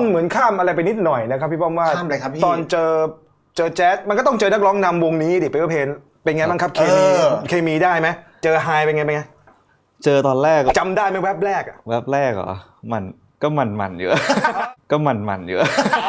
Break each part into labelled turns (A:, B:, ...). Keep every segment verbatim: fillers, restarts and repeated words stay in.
A: เหมือนข้ามอะไรไปนิดหน่อยนะครับพี่ป้อมว่า
B: ข้ามอะไรครับพี่
A: ตอนเจอเจอแจ๊สมันก็ต้องเจอนักร้องนำวงนี้ดิเปเปอร์เพนเป็นไงบ้างครับเคมีเคมีได้ไหมเจอไฮเป็นไงเป็นไง
C: เจอตอนแรก
A: จำได้ไหมแวบแรกอะ
C: แวบแรกเหรอมันก็มันมันเยอะ ก็มันมันเยอะ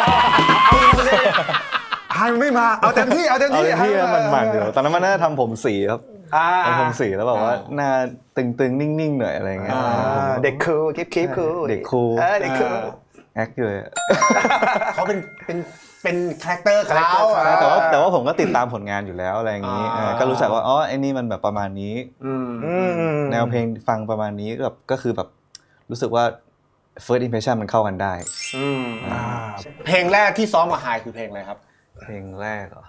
A: ไฮไม่มาเอาเต็มที่เอาเต็มที่
C: เอาเต็มที่มันมันเยอะตอนนั้นมันน่าจะทำผมสีครับทำผมสีแล้วแบบว่าหน้าตึงๆนิ่งๆหน่อยอะไรเงี้ย
A: เด็กคูลคลิปคลิปคูล
C: เด็กคูล
A: เด็กคูล
C: แอคเลย
B: เขาเป็นเป็นเป็นคาแรคเตอร์เขา
C: แต่ว่าแต่ว่าผมก็ติดตามผลงานอยู่แล้วอะไรอย่างนี้ก็รู้จักว่าอ๋อไอ้นี่มันแบบประมาณนี้แนวเพลงฟังประมาณนี้แบบก็คือแบบรู้สึกว่า first impression มันเข้ากันได้
B: เพลงแรกที่ซ้อมกับไฮคือเพลงอะไรครับ
C: เพลงแรกเหรอ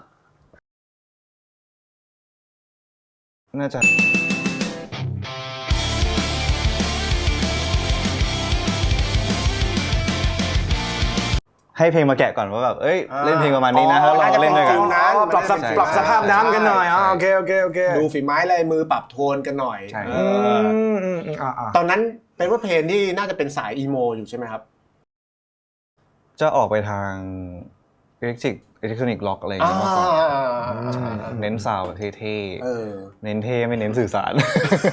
C: น่าจะให้เพลงมาแกะก่อนว่าแบบเอ้ยเล่นเพลงประมาณนี้นะแล้วเราเล่นด้วยกัน
A: ปรับปรับสภาพน้ำกันหน่อยอ๋อโอเคโอเคโอเค
B: ดูฝีไม้ลายมือปรับโทนกันหน่อยตอนนั้นเป็นว่าเพลงที่น่าจะเป็นสายอีโมอยู่ใช่ไหมครับ
C: จะออกไปทางอิเล็กทริกอิเล็กทรอนิกส์ล็อกอะไรอย่างเงี้ยมากกว่าเน้นซาวด์แบบเท่ๆเน้นเท่ไม่เน้นสื่อสาร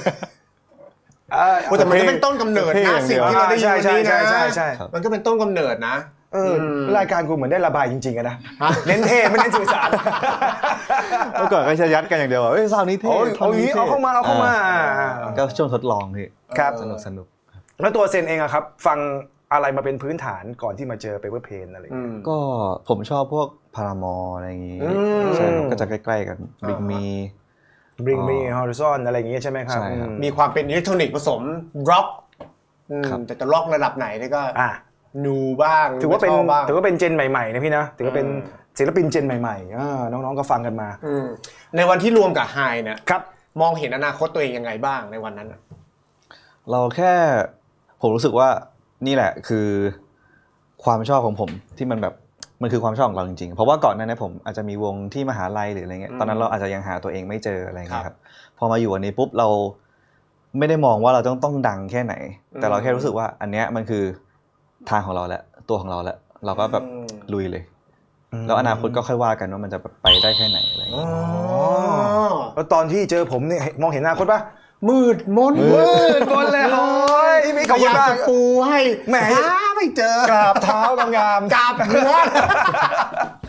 B: แต่มันก็เป็นต้นกำเนิดนะสิ่งที่เราได้ยินนี้นะมันก็เป็นต้นกำเนิดนะ
A: เออรายการกูเหมือนได้ระบายจริงๆนะเน้นเท่ไม่เน้นสื่อสาร
C: เมื่อก่อนก็จะยัดกันอย่างเดียวว่าเฮ้ยซาวนี้เท่
A: เอาอย่างนี้เอาเข้ามาเอาเข้ามา
C: ก็ช่วงทดลองพี่
A: ครับ
C: สนุกสนุก
A: แล้วตัวเซนเองอะครับฟังอะไรมาเป็นพื้นฐานก่อนที่มาเจอเปเปอร์เพนอะไร
C: ก็ผมชอบพวกพารามอร์อะไรอย่างงี้ใช่ก็จะใกล้ๆกันบิ๊กมี
A: Bring Me Horizon อะไรอย่างเงี้ยใช่ไหมครับ
B: มีความเป็นอิเล็กทรอนิกส์ผสมร็อกแต่จะร็อกระดับไหนนี่ก็นูบ้าง
A: ถือว่าเป็นถือว่าเป็นเจนใหม่ๆนะพี่นะถือว่าเป็นศิลปินเจนใหม่ๆน้องๆก็ฟังกันมา
B: ในวันที่รวมกับไฮเนี่ยมองเห็นอนาคตตัวเองยังไงบ้างในวันนั้น
C: เราแค่ผมรู้สึกว่านี่แหละคือความชอบของผมที่มันแบบมันคือความชอบของเราจริงๆเพราะว่าก่อนหน้านี้ผมอาจจะมีวงที่มหาลัยหรืออะไรเงี้ยตอนนั้นเราอาจจะยังหาตัวเองไม่เจออะไรเงี้ยครับพอมาอยู่อันนี้ปุ๊บเราไม่ได้มองว่าเราต้องต้องดังแค่ไหนแต่เราแค่รู้สึกว่าอันเนี้ยมันคือทางของเราแล้วตัวของเราแล้วเราก็แบบลุยเลยแล้วอนาคตก็ค่อยว่ากันว่ามันจะไปได้แค่ไหนอะไรอย่างเงี้ย
A: แล้วตอนที่เจอผมเนี่ยมองเห็นอนาคตปะ
B: มืดมน
A: มืดมนเลยโอ้ย
B: พี่ขยับจะปูให้
A: แหม
B: ไม่เจอก
A: ราบเท้างาม
B: กราบหัว